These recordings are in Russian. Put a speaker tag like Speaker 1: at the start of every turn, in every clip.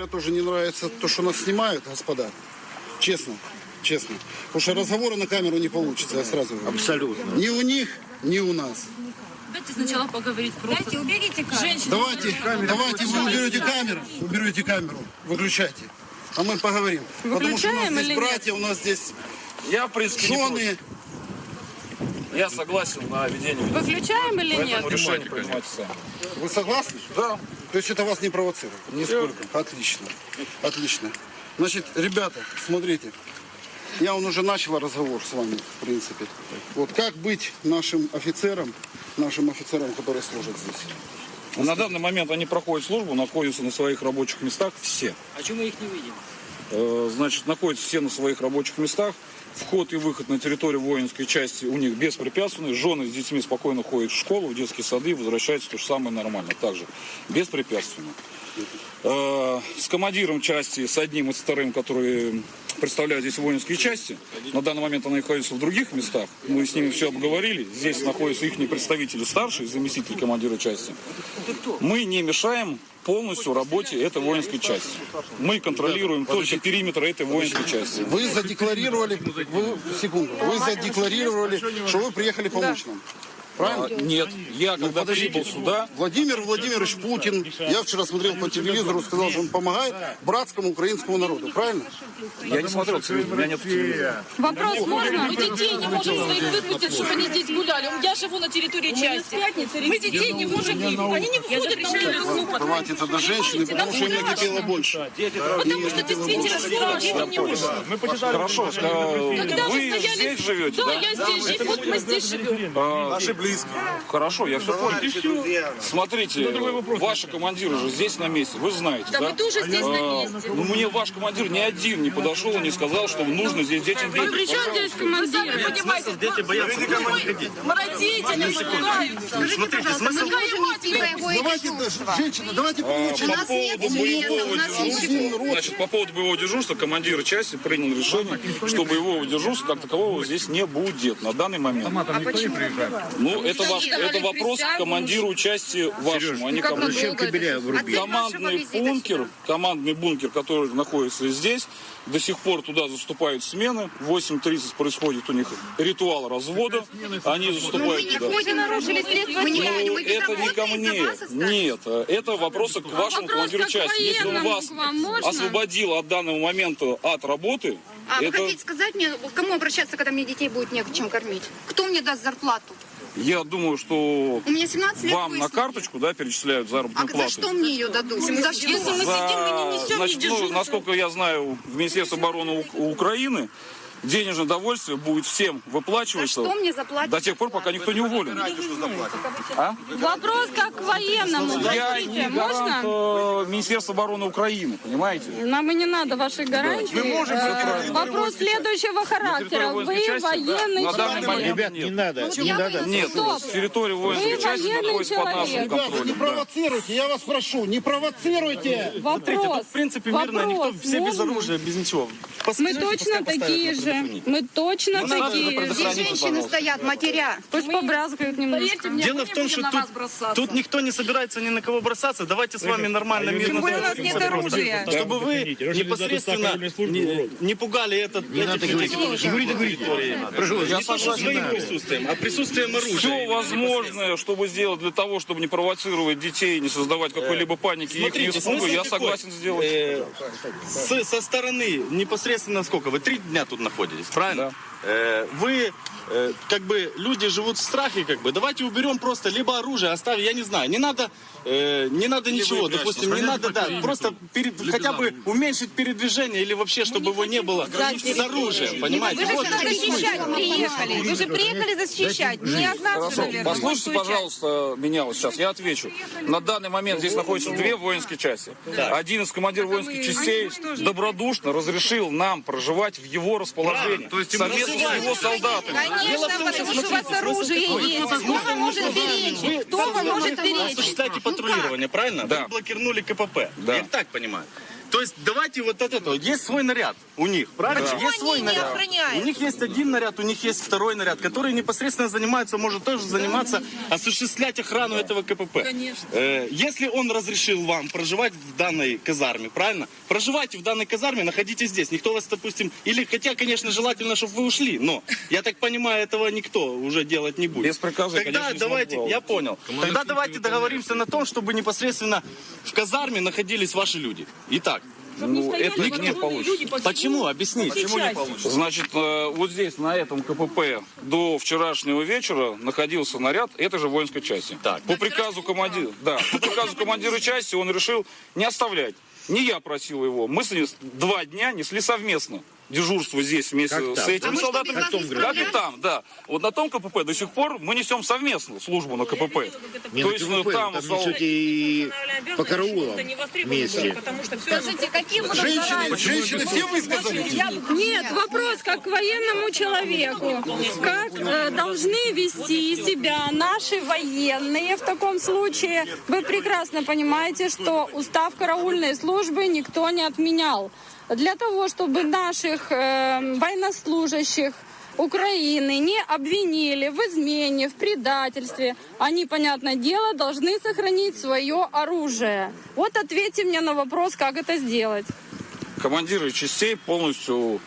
Speaker 1: камеры тоже не нравится то, что нас снимают, господа. Честно, честно. Потому что разговоры на камеру не получится, я сразу говорю.
Speaker 2: Абсолютно.
Speaker 1: Ни у них, ни у нас.
Speaker 3: Давайте сначала поговорить просто.
Speaker 4: Дайте, уберите камеру.
Speaker 3: Женщины.
Speaker 1: Давайте вы уберете камеру, выключайте. А мы поговорим. Потому что у нас здесь братья, у нас здесь
Speaker 5: Я, в принципе, не
Speaker 1: жены.
Speaker 5: против. Я согласен на ведение.
Speaker 3: Выключаем или нет?
Speaker 5: Поэтому решение принимайте сами.
Speaker 1: Вы согласны?
Speaker 5: Да.
Speaker 1: То есть это вас не провоцирует? Нисколько. Отлично. Отлично. Значит, ребята, смотрите. Я уже начал разговор с вами, в принципе. Вот как быть нашим офицерам, которые служат здесь?
Speaker 5: На данный момент они проходят службу, находятся на своих рабочих местах все.
Speaker 2: А чему мы их не видим?
Speaker 5: Значит, находятся все на своих рабочих местах. Вход и выход на территорию воинской части у них беспрепятственный. Жены с детьми спокойно ходят в школу, в детские сады, возвращаются то же самое нормально. Также беспрепятственно. С командиром части, с одним и с вторым, которые представляют здесь воинские части. На данный момент они находятся в других местах. Мы с ними все обговорили. Здесь находятся их представители старшие, заместитель командира части. Мы не мешаем полностью работе этой воинской части. Мы контролируем только периметр этой воинской части.
Speaker 1: Вы задекларировали, вы задекларировали, что вы приехали помочь нам. Правильно?
Speaker 5: Нет, я когда прибыл сюда...
Speaker 1: Владимир Владимирович Путин, я вчера смотрел по телевизору, сказал, что он помогает братскому украинскому народу. Правильно?
Speaker 5: Я не смотрел телевизор, у меня нет телевизора.
Speaker 3: Вопрос можно?
Speaker 6: Мы детей не можем своих выпустить, чтобы они здесь гуляли. Я живу на территории части. Мы детей не можем, они не выходят на улицу.
Speaker 1: Давайте тогда женщины, потому что им накипело больше.
Speaker 6: Потому что действительно слово детям не можно.
Speaker 5: Хорошо,
Speaker 6: Когда
Speaker 5: вы
Speaker 6: стояли...
Speaker 5: здесь живете,
Speaker 6: Да,
Speaker 5: да?
Speaker 6: я здесь живу, вот мы здесь живем.
Speaker 1: Наши близкие.
Speaker 5: Хорошо, я все понял. Смотрите, ваши командиры же здесь на месте, вы знаете,
Speaker 6: Да,
Speaker 5: да?
Speaker 6: мы тоже здесь на месте.
Speaker 5: Ну, мне ваш командир ни один не подошел и не сказал, что нужно здесь детям
Speaker 3: А при чем здесь
Speaker 6: Вы сами
Speaker 3: командир?
Speaker 6: понимаете,
Speaker 2: Дети боятся дома не ходить.
Speaker 6: родители пугаются.
Speaker 2: Смотрите, смысл...
Speaker 1: Давайте, женщина, давайте получим.
Speaker 5: Значит, по поводу боевого дежурства командир части принял решение, что боевого дежурства как такового здесь не будет на данный момент.
Speaker 4: А почему?
Speaker 5: Ну, это вопрос к командиру части вашему, а не ко мне. Командный бункер, который находится здесь, до сих пор туда заступают смены. В 8:30 происходит у них ритуал развода. Они заступают туда.
Speaker 4: Мы нарушили средства связи. Мы
Speaker 5: Это не ко мне. Нет, это вопросы к вашему командиру части. Если он вас освободил от данного момента от работы,
Speaker 4: А вы
Speaker 5: это...
Speaker 4: хотите сказать мне, к кому обращаться, когда мне детей будет не к чем кормить? Кто мне даст зарплату?
Speaker 5: Я думаю, что
Speaker 4: У меня 17 лет
Speaker 5: вам на
Speaker 4: выслуги.
Speaker 5: карточку, да, перечисляют заработную
Speaker 4: А за
Speaker 5: плату.
Speaker 4: что мне ее дадут? За
Speaker 6: Если мы
Speaker 4: что?
Speaker 6: сидим, мы не несем ни
Speaker 5: Значит,
Speaker 6: дежурства.
Speaker 5: насколько я знаю, в Министерстве обороны Украины денежное довольствие будет всем
Speaker 4: За
Speaker 5: выплачиваться
Speaker 4: что мне заплатят?
Speaker 5: до тех пор, пока никто не уволен. А?
Speaker 3: Вопрос как к военному.
Speaker 5: Я
Speaker 3: Простите,
Speaker 5: не гарант
Speaker 3: можно?
Speaker 5: Министерства обороны Украины, понимаете?
Speaker 3: Нам и не надо вашей гарантии. Вопрос следующего характера. Вы военный
Speaker 5: На данный
Speaker 3: человек.
Speaker 5: момент
Speaker 2: Ребят, не надо, не надо.
Speaker 5: нет,
Speaker 3: Стоп.
Speaker 5: территория воинской
Speaker 3: Вы
Speaker 5: части
Speaker 3: военный
Speaker 5: находится под нашим
Speaker 3: человек.
Speaker 1: Ребята, не
Speaker 5: контролем. Да.
Speaker 1: провоцируйте, я вас прошу, не провоцируйте.
Speaker 3: Вопрос.
Speaker 2: В принципе, мирно, никто, все без
Speaker 3: можно?
Speaker 2: оружия, без ничего.
Speaker 3: Мы точно такие же. Мы точно такие же.
Speaker 4: Здесь женщины стоят, матеря.
Speaker 3: Пусть побрязгают немножко.
Speaker 2: Дело в том, что тут никто не собирается ни на кого бросаться. Давайте с вами нормально, мирно.
Speaker 4: более у нас нет оружия.
Speaker 2: Чтобы вы непосредственно не пугали этот... Не надо говорить. Не то, что своим присутствием, а присутствием оружия.
Speaker 5: Все возможное, чтобы сделать для того, чтобы не провоцировать детей, не создавать какой-либо паники и их
Speaker 2: Смотрите,
Speaker 5: испуга,
Speaker 2: смысл
Speaker 5: я
Speaker 2: такой.
Speaker 5: согласен сделать.
Speaker 2: Со стороны непосредственно сколько? Вы 3 дня тут находитесь, правильно? Вы, как бы, люди живут в страхе, как бы. Давайте уберем просто либо оружие, оставим, я не знаю. Не надо ничего, допустим, не надо, да, просто хотя бы уменьшить передвижение или вообще, чтобы его не было с оружием, понимаете?
Speaker 4: Вы же
Speaker 2: Вот
Speaker 4: сюда
Speaker 2: в чем смысл.
Speaker 4: защищать приехали. Вы же приехали защищать. Не от нас же,
Speaker 5: Хорошо.
Speaker 4: наверное.
Speaker 5: Послушайте, пожалуйста, меня вот сейчас, я отвечу. На данный момент здесь находятся 2 воинские части. Один из командиров воинских частей добродушно разрешил нам проживать в его расположении, совместно с его солдатами.
Speaker 4: Конечно, потому что у вас оружие есть. Кто вам может беречь? Кто вам может
Speaker 2: Вы
Speaker 4: беречь?
Speaker 2: осуществляете патрулирование, правильно?
Speaker 5: Да.
Speaker 2: Вы блокировали КПП.
Speaker 5: Да.
Speaker 2: Я так понимаю. То есть давайте вот от этого. Есть свой наряд у них, правильно?
Speaker 6: Почему
Speaker 2: Есть свой
Speaker 6: они не
Speaker 2: наряд.
Speaker 6: охраняют?
Speaker 2: У них есть один наряд, у них есть второй наряд, который непосредственно занимается, может тоже заниматься, осуществлять охрану этого КПП.
Speaker 6: Конечно.
Speaker 2: Если он разрешил вам проживать в данной казарме, правильно? Проживайте в данной казарме, находитесь здесь. Никто вас, допустим, или, хотя, конечно, желательно, чтобы вы ушли, но, я так понимаю, этого никто уже делать не будет.
Speaker 5: Без приказа,
Speaker 2: Тогда
Speaker 5: конечно, не
Speaker 2: давайте,
Speaker 5: смогу.
Speaker 2: я понял. Тогда давайте договоримся на том, чтобы непосредственно в казарме находились ваши люди. Итак,
Speaker 5: Ну, это не получится.
Speaker 2: почему? Объясните.
Speaker 6: Почему не получится?
Speaker 5: Значит, вот здесь, на этом КПП, до вчерашнего вечера находился наряд этой же воинской части.
Speaker 2: Так.
Speaker 5: По приказу командира, по приказу командира части он решил не оставлять. Не я просил его. Мы с ним 2 дня несли совместно дежурство здесь вместе с этими солдатами. Как и там, да. Вот на том КПП до сих пор мы несем совместно службу на КПП. То есть там
Speaker 7: несете и по караулам вместе.
Speaker 3: Скажите, какие будут
Speaker 1: Женщины все высказались?
Speaker 3: Нет, вопрос как к военному человеку. Как должны вести себя наши военные в таком случае? Вы прекрасно понимаете, что устав караульной службы никто не отменял. Для того, чтобы наших военнослужащих Украины не обвинили в измене, в предательстве, они, понятное дело, должны сохранить свое оружие. Вот ответьте мне на вопрос, как это сделать.
Speaker 5: командиры частей полностью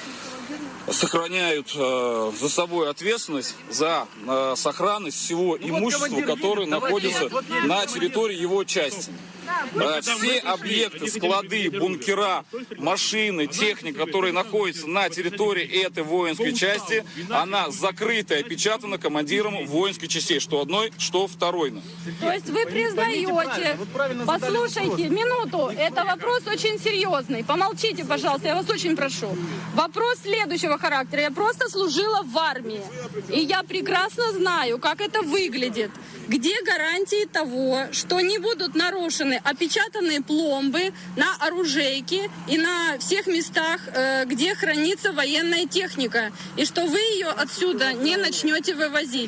Speaker 5: сохраняют за собой ответственность за сохранность всего имущества, которое находится на территории его части. Все объекты, склады, бункера, машины, техника, которые находятся на территории этой воинской части, она закрыта и опечатана командиром воинской частей, что одной, что второй.
Speaker 3: То есть вы признаете, послушайте, минуту, это вопрос очень серьезный. Помолчите, пожалуйста, я вас очень прошу. Вопрос следующего характера. Я просто служила в армии, и я прекрасно знаю, как это выглядит. Где гарантии того, что не будут нарушены опечатанные пломбы на оружейке и на всех местах, где хранится военная техника, и что вы ее отсюда не начнете вывозить?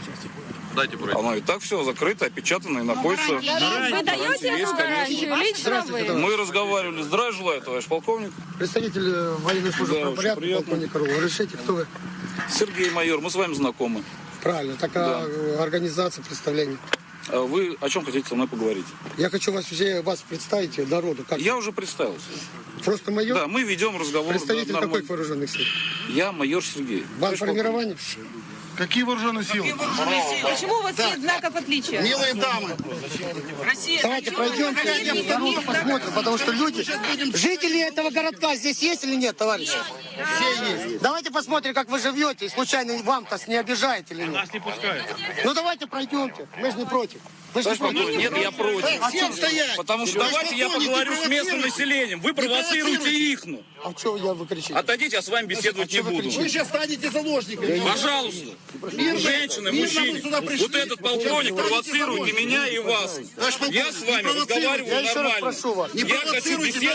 Speaker 5: Оно и так все закрыто, опечатано и находится.
Speaker 3: Вы даете эту гарантию? Лично вы?
Speaker 5: Мы разговаривали. Здравия желаю, товарищ полковник.
Speaker 8: Представитель военной службы
Speaker 5: Да, очень
Speaker 8: правопорядка,
Speaker 5: приятно.
Speaker 8: полковник Орлов. Разрешите, кто вы?
Speaker 5: Сергей майор, мы с вами знакомы.
Speaker 8: Правильно, такая организация представления.
Speaker 5: А вы о чем хотите со мной поговорить?
Speaker 8: Я хочу вас представить народу. Как?
Speaker 5: Я уже представился.
Speaker 8: Просто майор?
Speaker 5: Да, мы ведем разговор.
Speaker 8: Представитель
Speaker 5: да,
Speaker 8: каких
Speaker 5: нормально.
Speaker 8: вооруженных сил?
Speaker 5: Я майор Сергей.
Speaker 8: Бандформирование?
Speaker 1: Какие вооруженные силы?
Speaker 6: Почему у вас нет знаков отличия?
Speaker 1: Милые дамы,
Speaker 8: Давайте пройдем, народу посмотрим, потому что люди, жители этого городка здесь есть или нет, товарищи? Все есть. Давайте посмотрим, как вы живете, и случайно вам-то не обижает или нет. Нас не пускают. Ну давайте пройдемте, мы же не против. Вы же не против.
Speaker 5: Нет, я против.
Speaker 1: всем стоять!
Speaker 5: Потому что давайте я поговорю с местным населением. Вы провоцируете их.
Speaker 8: А что вы кричите?
Speaker 5: Отойдите, я с вами беседовать не буду.
Speaker 1: Вы сейчас станете заложниками.
Speaker 5: Пожалуйста, женщины, мужчины, вот этот полковник провоцирует и меня, и вас. Я с вами разговариваю
Speaker 8: Я еще раз
Speaker 5: нормально.
Speaker 8: прошу вас.
Speaker 1: Не
Speaker 5: Я хочу
Speaker 1: провоцируйте,
Speaker 5: беседовать.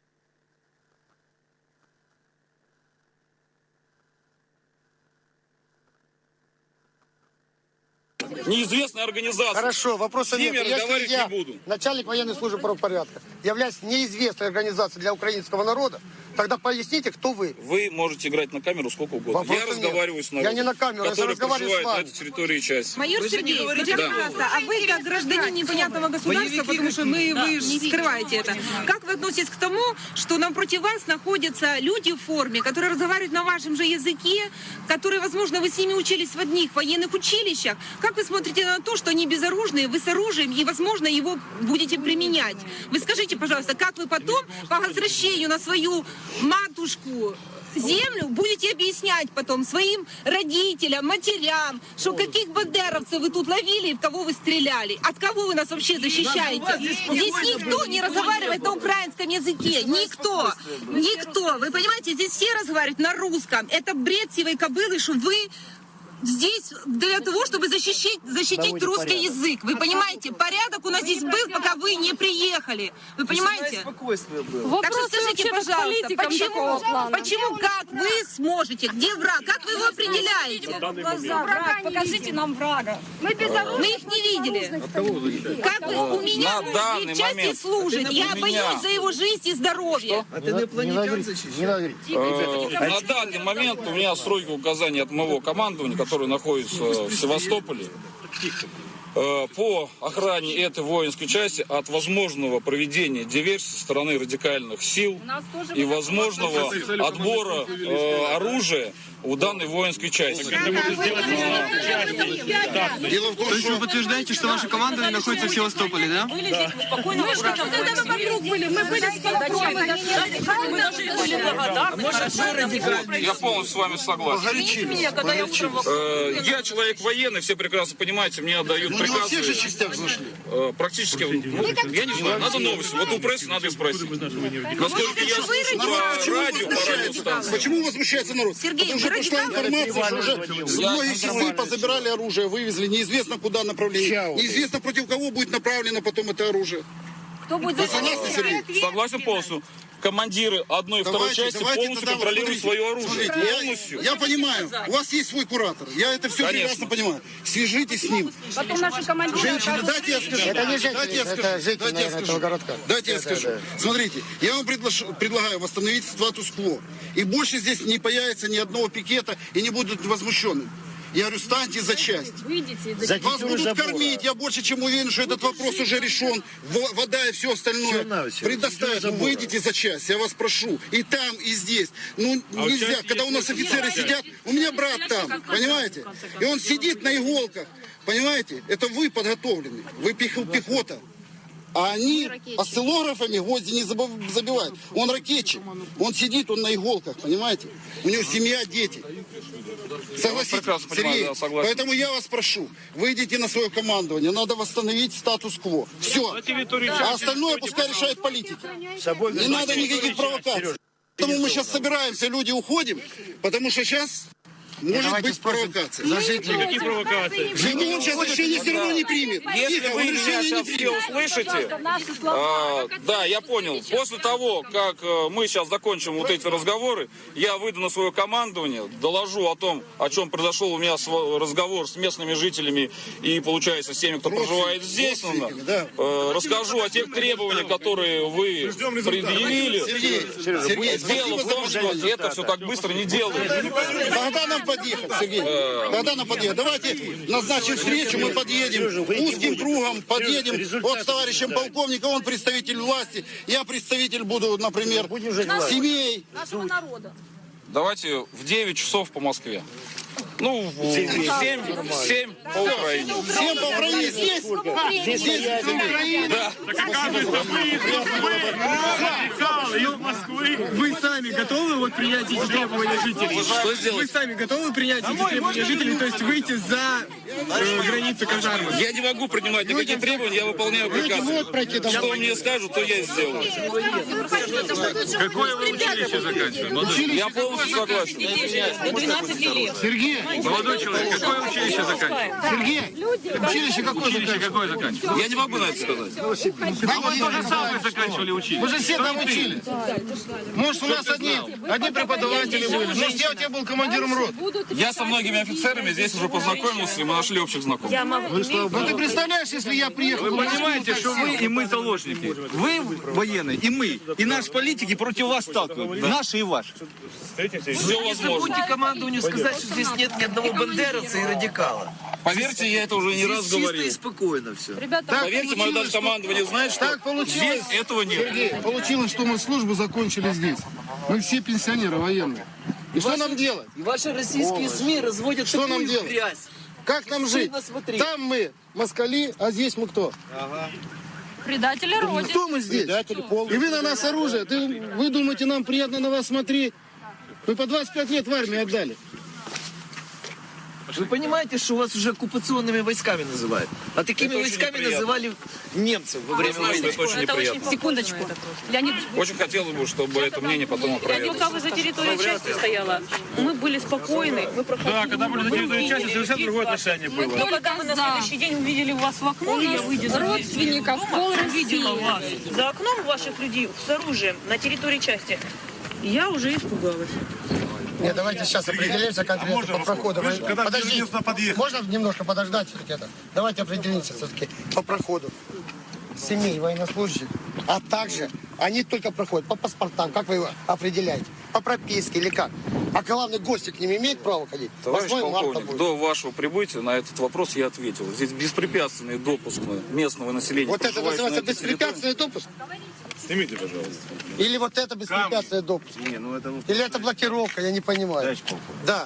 Speaker 5: Неизвестная организация.
Speaker 8: Хорошо, вопроса
Speaker 5: С ними
Speaker 8: нет. Если
Speaker 5: разговаривать
Speaker 8: я,
Speaker 5: не буду.
Speaker 8: начальник военной службы правопорядка, являюсь неизвестной организацией для украинского народа, тогда поясните, кто вы.
Speaker 5: Вы можете играть на камеру сколько угодно.
Speaker 8: Вопроса
Speaker 5: Я
Speaker 8: нет.
Speaker 5: разговариваю с народом,
Speaker 8: Я не на камеру, я
Speaker 5: который
Speaker 8: разговариваю с
Speaker 5: проживает на
Speaker 8: вами.
Speaker 5: этой территории части.
Speaker 6: Майор Сергей, скажите,
Speaker 5: Да.
Speaker 6: пожалуйста, а вы как гражданин непонятного государства, потому что вы скрываете это, как вы относитесь к тому, что напротив вас находятся люди в форме, которые разговаривают на вашем же языке, которые, возможно, вы с ними учились в одних военных училищах? Как вы смотрите на то, что они безоружные, вы с оружием, и, возможно, его будете применять? Вы скажите, пожалуйста, как вы потом по возвращению на свою матушку землю будете объяснять потом своим родителям, матерям, что каких бандеровцев вы тут ловили и в кого вы стреляли? От кого вы нас вообще защищаете? Здесь никто не разговаривает на украинском языке. Никто. Никто. Вы понимаете, здесь все разговаривают на русском. Это бред сивой кобылы, что вы здесь для того, чтобы защитить русский язык. Вы понимаете, порядок у нас здесь был, пока вы не приехали. Вы понимаете? Так что
Speaker 3: Вопросы
Speaker 6: скажите,
Speaker 3: вообще-то к
Speaker 6: пожалуйста,
Speaker 3: политикам такого плана.
Speaker 6: почему, как вы сможете, где враг, как вы его определяете?
Speaker 3: Враг, покажите нам врага.
Speaker 6: Мы их не видели. Как вы, у меня
Speaker 5: На данный
Speaker 6: в части
Speaker 5: момент
Speaker 6: служит, я
Speaker 5: у меня-
Speaker 6: боюсь за его жизнь и здоровье.
Speaker 5: На данный момент у меня строгие указания от моего командования, которое находится в Севастополе, по охране этой воинской части от возможного проведения диверсии со стороны радикальных сил и возможного отбора оружия у данной воинской части.
Speaker 1: Дело в том,
Speaker 9: То есть вы
Speaker 1: что
Speaker 9: подтверждаете, что ваше командование находится в Севастополе, да?
Speaker 3: Мы что, когда вокруг были, мы были спокойны. Мы даже были благодарны.
Speaker 5: Я полностью с вами согласен. Я человек военный, все прекрасно понимаете, мне отдают
Speaker 1: не во всех же
Speaker 5: приказы.
Speaker 1: частях зашли.
Speaker 5: Практически, я не знаю, надо новости. Вот у прессы надо и спросить. Насколько я слышу по радио, по радиостанции.
Speaker 1: Почему возмущается народ?
Speaker 6: Сергей,
Speaker 1: Потому что
Speaker 6: вы
Speaker 1: пришла
Speaker 6: радикалы?
Speaker 1: информация, что уже многие часы позабирали оружие, вывезли, неизвестно куда направление, неизвестно против кого будет направлено потом это оружие.
Speaker 3: Кто будет
Speaker 1: Вы согласны, Сергей?
Speaker 5: Согласен полностью. Командиры одной и второй части полностью
Speaker 1: тогда
Speaker 5: контролируют
Speaker 1: смотрите,
Speaker 5: свое оружие.
Speaker 1: смотрите,
Speaker 5: Полностью.
Speaker 1: я понимаю, у вас есть свой куратор, я это все
Speaker 5: Конечно.
Speaker 1: прекрасно понимаю. Свяжитесь с ним.
Speaker 3: Потом наши командиры...
Speaker 1: Женщины, дайте я скажу.
Speaker 8: Это не женщины,
Speaker 1: Дайте я
Speaker 8: это
Speaker 1: скажу.
Speaker 8: жители,
Speaker 1: Дайте я
Speaker 8: наверное, этого
Speaker 1: скажу.
Speaker 8: городка.
Speaker 1: Дайте я скажу. Смотрите, я вам предлагаю восстановить статус-кво. И больше здесь не появится ни одного пикета и не будут возмущены. Я говорю, станьте за часть.
Speaker 3: Выйдите.
Speaker 1: Вас будут кормить, я больше чем уверен, что этот вопрос уже решен. Вода и все остальное предоставят. Ну, выйдите за часть, я вас прошу. И там, и здесь. Ну, нельзя, когда у нас офицеры сидят, у меня брат там, понимаете? И он сидит на иголках, понимаете? Это вы подготовлены, вы пехота. А они осциллографами гвозди не забивают. Он ракетчик, он сидит, он на иголках, понимаете? У него семья, дети. Согласитесь,
Speaker 5: прекрасно понимаю,
Speaker 1: Сергей?
Speaker 5: да, согласен.
Speaker 1: Поэтому я вас прошу, выйдите на свое командование, надо восстановить статус-кво. Все. А остальное пускай решает политики. Не надо никаких провокаций. Поэтому мы сейчас собираемся, люди уходим, потому что сейчас может быть провокация.
Speaker 9: Какие провокации?
Speaker 1: Жигу он сейчас решение все равно не примет.
Speaker 5: Если
Speaker 1: Тихо,
Speaker 5: вы
Speaker 1: он
Speaker 5: меня
Speaker 1: решение
Speaker 5: сейчас
Speaker 1: не
Speaker 5: все
Speaker 1: примет.
Speaker 5: услышите,
Speaker 3: Наши слова.
Speaker 5: да, я понял. После того, как мы сейчас закончим вот эти разговоры, я выйду на свое командование, доложу о том, о чем произошел у меня разговор с местными жителями и, получается, с теми, кто проживает здесь.
Speaker 1: да.
Speaker 5: Расскажу о тех требованиях, которые вы предъявили.
Speaker 1: Сергей,
Speaker 5: Дело в том, что это все так быстро не делается.
Speaker 1: когда нам подъехать, Сергей? Когда нам подъехать? Давайте назначим встречу, мы подъедем узким кругом, подъедем вот с товарищем полковником, он представитель власти, я представитель буду, например, семей.
Speaker 3: Нашего народа.
Speaker 5: Давайте в 9 часов по Москве. Ну, в 7 по Украине.
Speaker 1: Всем по Украине здесь? Здесь, по Украине.
Speaker 5: Да.
Speaker 9: Вы сами готовы вот принять эти требования жителей?
Speaker 5: Что сделать?
Speaker 9: Вы сами готовы принять эти требования жителей, то есть выйти за границы казармы?
Speaker 5: Я не могу принимать никакие требования, я выполняю приказы. Что мне скажут, то я и сделаю.
Speaker 9: Какое вы училище заканчиваете?
Speaker 5: Я полностью согласен.
Speaker 3: До 12 лет.
Speaker 1: Сергей,
Speaker 9: Молодой человек, какое училище заканчиваете?
Speaker 1: Сергей, училище какое
Speaker 9: Училище какое заканчиваете?
Speaker 5: Я не могу на это сказать.
Speaker 9: А вы тоже самое заканчивали училище?
Speaker 1: мы же все там учились. Может, у нас одни преподаватели были. Может, я у тебя был командиром роты.
Speaker 5: Я со многими офицерами здесь уже познакомился, и мы нашли общих знакомых.
Speaker 1: Ну ты представляешь, если я приехал...
Speaker 10: Вы понимаете, что вы и мы заложники. Вы военные, и мы, и наши политики против вас сталкиваются. Наши и ваши.
Speaker 5: Все возможно.
Speaker 11: Командованию сказать, что здесь нет ни одного бандеровца и радикала.
Speaker 5: Поверьте, я это уже не раз
Speaker 11: Чисто
Speaker 5: говорил.
Speaker 11: и спокойно все.
Speaker 5: Поверьте, мое даже командование знает, что
Speaker 1: Так получилось,
Speaker 5: здесь этого нет.
Speaker 1: Сергей, получилось, что мы службу закончили здесь. Мы все пенсионеры военные. И что нам делать?
Speaker 11: И ваши российские СМИ разводят
Speaker 1: Что нам
Speaker 11: такую
Speaker 1: делать?
Speaker 11: грязь.
Speaker 1: Как нам жить?
Speaker 11: Стыдно смотреть.
Speaker 1: Там мы москали, а здесь мы кто?
Speaker 3: Предатели Родины.
Speaker 1: Кто мы здесь? И вы на нас оружие. Вы думаете, нам приятно на вас смотреть? Мы по 25 лет в армии отдали.
Speaker 11: Вы понимаете, что вас уже оккупационными войсками называют? А такими войсками называли немцев во время войны.
Speaker 5: Это очень неприятно.
Speaker 3: Секундочку. Леонид,
Speaker 5: Очень хотелось бы, чтобы это мнение потом опровергли.
Speaker 12: Пока вы за территорией части стояла, мы были спокойны, мы проходили.
Speaker 9: Да, когда были за территорией части, совершенно другое отношение было.
Speaker 12: Но когда мы на следующий день увидели вас в окно, я выйдя
Speaker 3: родственников пол
Speaker 12: видела вас за окном ваших людей с оружием на территории части, я уже испугалась.
Speaker 8: Нет, давайте сейчас определимся конкретно по проходу. Подожди, можно немножко подождать все-таки это? Давайте определимся все-таки по проходу семей военнослужащих, а также они только проходят по паспортам. Как вы его определяете? По прописке или как? А главный гости к ним имеет право ходить?
Speaker 5: Товарищ
Speaker 8: 8 марта
Speaker 5: полковник,
Speaker 8: будет.
Speaker 5: до вашего прибытия на этот вопрос я ответил. Здесь беспрепятственный допуск местного населения.
Speaker 8: Вот это
Speaker 5: проживающего
Speaker 8: называется
Speaker 5: на этой территории.
Speaker 8: беспрепятственный допуск?
Speaker 9: Снимите, пожалуйста.
Speaker 8: Или вот это беспрепятственный допуск? Или это блокировка, я не понимаю. Да.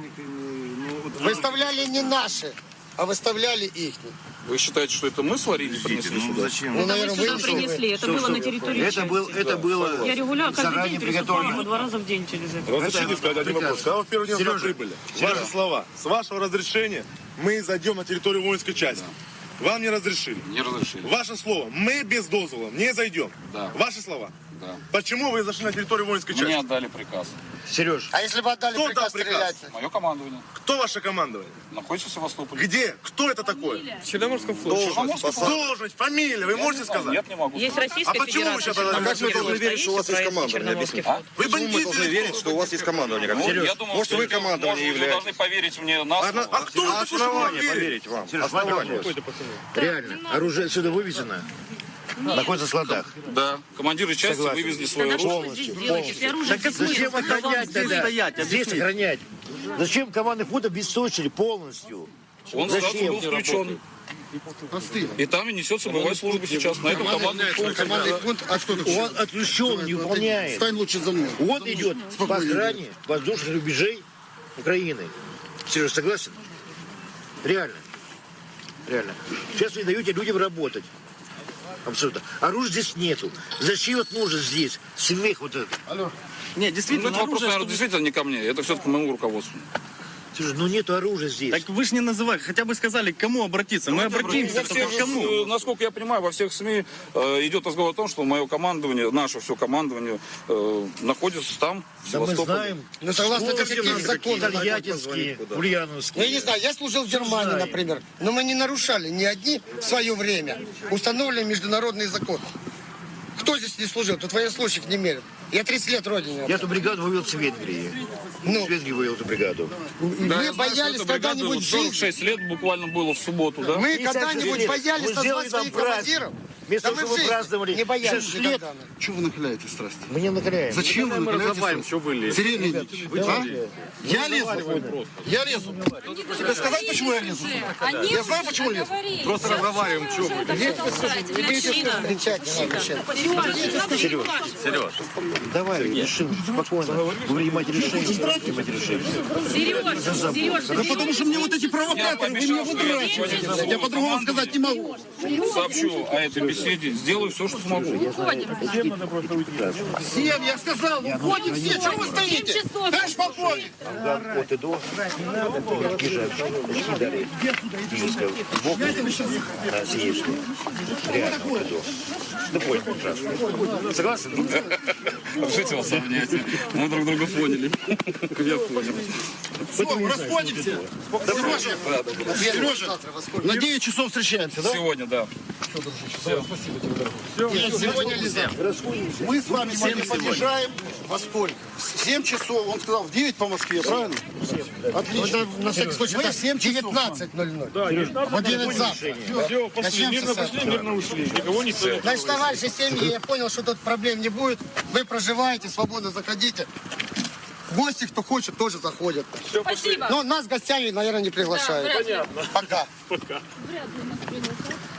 Speaker 8: Выставляли не наши, а выставляли их.
Speaker 5: Вы считаете, что это мы сварили и принесли сюда?
Speaker 7: Зачем?
Speaker 8: Ну,
Speaker 12: Мы
Speaker 8: наверное,
Speaker 12: сюда
Speaker 8: вы
Speaker 12: принесли, это было на территории части.
Speaker 7: Это было
Speaker 12: Я регулярно каждый
Speaker 7: заранее
Speaker 12: день переступала по
Speaker 7: приготовлено.
Speaker 12: 2 раза в день через это.
Speaker 13: Разрешите сказать один вопрос. Когда вы в первый день сюда прибыли, ваши слова, с вашего разрешения мы зайдем на территорию воинской части. Вам не разрешили.
Speaker 5: Не разрешили.
Speaker 13: Ваше слово, мы без дозвола не зайдем.
Speaker 5: Да.
Speaker 13: Ваши слова.
Speaker 5: Да.
Speaker 13: Почему вы зашли на территорию воинской части?
Speaker 5: Мне отдали приказ.
Speaker 7: Сереж,
Speaker 8: А если бы отдали
Speaker 13: Кто
Speaker 8: приказ
Speaker 13: дал приказ?
Speaker 8: стрелять?
Speaker 5: Мое командование
Speaker 13: Кто ваше командование?
Speaker 5: находится в Севастополе.
Speaker 13: Где? Кто это такой?
Speaker 9: В Черноморском флоте.
Speaker 13: Должность, фамилия, вы можете сказать?
Speaker 5: Нет, не могу.
Speaker 12: Есть
Speaker 5: сказать.
Speaker 12: Российская
Speaker 13: А почему вы
Speaker 12: Федерация.
Speaker 13: сейчас тогда-
Speaker 12: Черноморский
Speaker 13: как вы должны
Speaker 12: флот.
Speaker 13: верить, что у вас есть
Speaker 12: Стоите
Speaker 13: командование?
Speaker 12: Черноморский
Speaker 13: Объясните.
Speaker 12: флот.
Speaker 13: Вы бандиты?
Speaker 7: должны верить, что у вас есть командование?
Speaker 5: Ну, я думаю,
Speaker 7: Может, вы командование
Speaker 5: может, вы
Speaker 7: являетесь?
Speaker 5: должны поверить мне на слово.
Speaker 13: А кто вы такой, что вам верит?
Speaker 7: поверить вам. Основание. Реально. Оружие отсюда вывезено. Находится в складах.
Speaker 5: Да, командиры части
Speaker 7: Согласен.
Speaker 5: вывезли свое оружие.
Speaker 12: Что вы здесь делаете? Если оружие здесь
Speaker 7: Зачем
Speaker 12: нет,
Speaker 7: охранять тогда? Здесь охранять. Зачем командный пункт обесточили полностью?
Speaker 5: Он сразу был включен. И там и несется боевая служба сейчас. На этом командный пункт.
Speaker 1: Командный пункт, а что ты?
Speaker 7: Он отключен, не выполняет.
Speaker 1: Стань лучше за мной.
Speaker 7: Он идет по охране воздушных рубежей Украины. Сереж, согласен? Реально. Реально. Сейчас вы даете людям работать. Абсолютно. Оружия здесь нету. Зачем вот нужно здесь? Смех вот этот.
Speaker 12: Нет,
Speaker 5: Ну,
Speaker 12: действительно,
Speaker 5: это вопрос, наверное, действительно не ко мне. Это все-таки к моему руководству.
Speaker 7: Сереж, ну нету оружия здесь.
Speaker 2: Так вы же не называли, хотя бы сказали, к кому обратиться. Мы обратимся,
Speaker 5: Во всех,
Speaker 2: только к кому?
Speaker 5: насколько я понимаю, во всех СМИ идет разговор о том, что мое командование, наше все командование находится там, в
Speaker 7: Да мы
Speaker 5: Севастополе.
Speaker 7: знаем.
Speaker 8: Ну, согласно каким законам?
Speaker 7: Тольяттинские, Ульяновские.
Speaker 8: Ну, я не знаю, я служил в Германии, например, но мы не нарушали ни одни в свое время установленные международные законы. Кто здесь не служил? Тут военнослужащих не мерят. Я 30 лет родине.
Speaker 7: Я эту бригаду вывел с Венгрии.
Speaker 8: Ну.
Speaker 7: С Венгрии вывел эту бригаду.
Speaker 5: Да,
Speaker 8: Мы
Speaker 5: я знаю, что
Speaker 8: боялись
Speaker 5: эта бригада
Speaker 8: когда-нибудь
Speaker 5: вот
Speaker 8: жить.
Speaker 5: 46 лет буквально было в субботу, да?
Speaker 8: Мы
Speaker 7: 56
Speaker 8: когда-нибудь
Speaker 7: лет.
Speaker 8: боялись
Speaker 7: Мы
Speaker 8: назвать
Speaker 7: сделали нам
Speaker 8: своих
Speaker 7: праздник.
Speaker 8: командиров.
Speaker 7: Вместо
Speaker 8: Да
Speaker 7: того,
Speaker 8: мы
Speaker 7: чтобы
Speaker 8: в жизни
Speaker 7: праздновали
Speaker 8: не боялись
Speaker 7: 6 лет,
Speaker 8: никогда.
Speaker 1: Чего вы нахиляете страсти?
Speaker 7: мы не накаляем.
Speaker 1: Зачем вы нахиляете страсти? Сергей Леонидович, а? Я лезу? Я лезу. Тебе сказать, почему я лезу?
Speaker 3: Они
Speaker 1: Я знаю, почему лезу.
Speaker 3: Просто разговариваем, что вы.
Speaker 8: Кричать не надо сейчас.
Speaker 13: Сереж,
Speaker 7: Давай, решим спокойно. Принимать решение.
Speaker 12: Сережа,
Speaker 1: Да потому что мне вот эти провокаторы, вы меня выдрачиваете. Я по-другому сказать не могу.
Speaker 5: Сообщу о этой беседе, сделаю все, что смогу.
Speaker 1: Всем, я сказал, уходим все, чего вы стоите? Товарищ полковник!
Speaker 7: От и до. Езжай. Очки далее. Физическое. Бок. На сиечку. Реально от и до. Ты понял прекрасно. Согласен?
Speaker 5: Жить вас обнять. Мы друг друга поняли. Я понял.
Speaker 1: Все, расходимся. Сережа, на 9 часов встречаемся, да?
Speaker 5: Сегодня, да.
Speaker 1: Сегодня нельзя. Мы с вами подъезжаем во сколько? В 7 часов, он сказал, в 9 по Москве, правильно? Отлично.
Speaker 8: На всякий случай,
Speaker 1: Мы
Speaker 8: это
Speaker 1: в 7 часов.
Speaker 8: 19:00. В 11 завтра.
Speaker 9: Все, пошли, мирно пошли, мирно ушли. Никого никто не...
Speaker 8: Значит, товарищи семьи, я понял, что тут проблем не будет. Вы проживаете, свободно заходите. Гости, кто хочет, тоже заходят.
Speaker 3: Спасибо.
Speaker 8: Но нас гостями, наверное, не приглашают.
Speaker 3: Да, вряд ли.
Speaker 8: Пока.
Speaker 9: Пока.